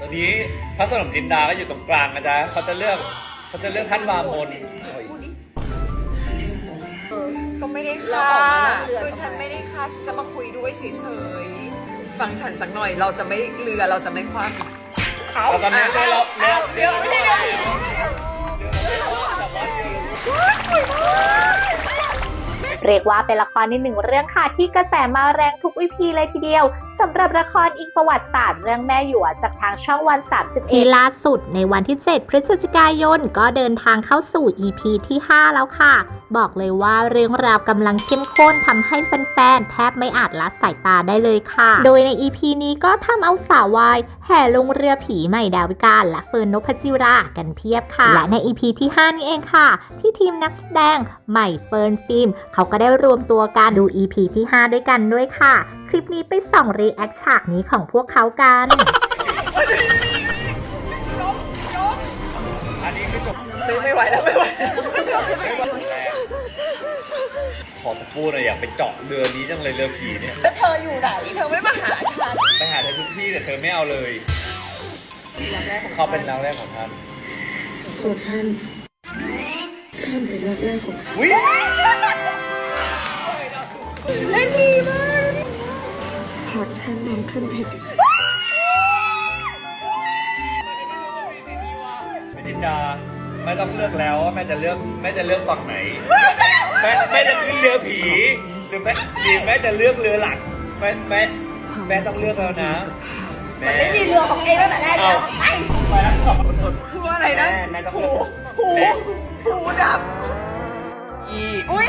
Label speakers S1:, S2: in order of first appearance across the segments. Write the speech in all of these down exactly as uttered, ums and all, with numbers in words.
S1: ตอนนี้พระสนมจินดาก็อยู่ตรงกลางนะจ๊ะเขาจะเลือกเขาจะเลือกท่านวามน
S2: ก็ไม่ได้ฆ่าคือฉันไม่ได้ฆ่าฉันจะมาคุยด้วยเฉยๆฟังฉันสักหน่อยเราจะไม่เรือเราจะไม่คว้าเขา
S1: แล้วตอนนี้เราเลือกเลือก
S2: ไม่ใช่เรือ
S3: เรียกว่าเป็นละครในหนึ่งเรื่องค่ะที่กระแสมาแรงทุกอีพีเลยทีเดียวสำหรับละครอิงประวัติศาสตร์เรื่องแม่หยวกจากทางช่องวันสามสิบเอ็ดที่ล่าสุดในวันที่เจ็ดพฤศจิกายนก็เดินทางเข้าสู่ อี พี ที่ห้าแล้วค่ะบอกเลยว่าเรื่องราวกำลังเข้มข้นทำให้แฟนๆแทบไม่อาจละสายตาได้เลยค่ะโดยใน อี พี นี้ก็ทำเอาสาววายแห่ลงเรือผีใหม่ดาวิกาและเฟิร์นนพจิรากันเพียบค่ะและใน อี พี ที่ห้านี่เองค่ะที่ทีมนักแสดงใหม่เฟิร์นฟิล์มเขาก็ได้รวมตัวกันดู อี พี ที่ห้าด้วยกันด้วยค่ะคลิปนี้ไปส่องรีแอคฉากนี้ของพวกเขากัน
S1: อันนี้คือจบ
S2: ไม่ไหวแล้วไม่ไหว
S1: ขอตะปูหน่อยอยากไปเจาะเรือนี้จังเลยเรือผีเนี่ย
S2: แล้วเธออยู่ไหนเธอไม่มาหาฉัน
S1: ไปหาเธอทุกที่แต่เธอไม่เอาเลยเขาเป็นรักแรกของท่าน
S4: ส่วนท่านท่านเป็นรักแรกของข้า
S1: วิ
S2: เล่นดีมาก
S4: หากท่านนำขึ้นเพชร
S1: แม่จินดาไม่ต้องเลือกแล้วว่าแม่จะเลือกแม่จะเลือกฝั่งไหนแม่แม่จะขึ้นเรือผีหรือแม่หรือแม่จะเลือกเรือหลักแม่แม่แม่ต้องเลือกแล้วนะแม่
S2: ไม่มีเรือของเองตั้งแต่แรกแล้วไป
S1: ไปแล้วขอบคุณ
S2: คืออะไรนะ
S1: แม่แม่ต้อง
S2: หู
S1: เลือก
S2: หู
S1: แม่
S2: หูดับอีอุ้ย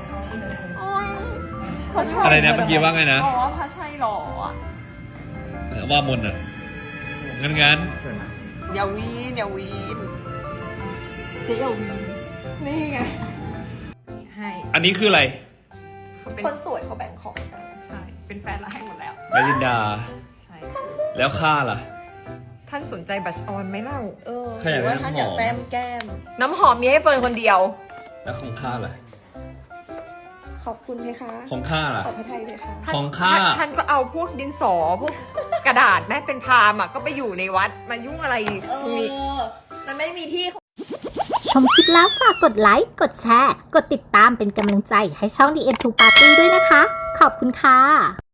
S2: พระชัย
S1: อะไรนะเมื่อกี้ว่าไงนะ
S2: บอกว่าพระชัยหล่ออ่ะ
S1: ว่ามนอ่ะงั้นงั้น
S2: อย่าวีนอย่าวีนเจ๊อย่าวีนนี่ไงให้
S1: อันนี้คืออะไร
S2: คนสวยเขาแบ่งของกันใช่เป็นแฟนเราให้หมดแล้ว
S1: แม่จินดา
S2: ใช่
S1: แล้วข้าล่ะ
S2: ท่านสนใจบัชออนไหมเล่าเออ
S1: ใครอยากได้น้ำหอม
S2: แก้มน้ำหอมมีให้เฟิร์นคนเดียว
S1: แล้วของข้าล่ะ
S4: ขอบคุณไหมคะ
S1: ของข้าล่ะ
S4: ขอบพระทัยเลยค่ะ
S2: ท่น
S1: ของข้า
S2: ท่นท่านก็เอาพวกดินสอพวกกระดาษแม่เป็นพราหมณ์อะก็ไปอยู่ในวัดมายุ่งอะไรตรงนี้
S4: มันไม่มีที่
S3: ชมคลิปแล้วฝากกดไลค์ กดแชร์ กดติดตามเป็นกำลังใจให้ช่อง ดี เอ็ม ทู Party ด้วยนะคะ ขอบคุณค่ะ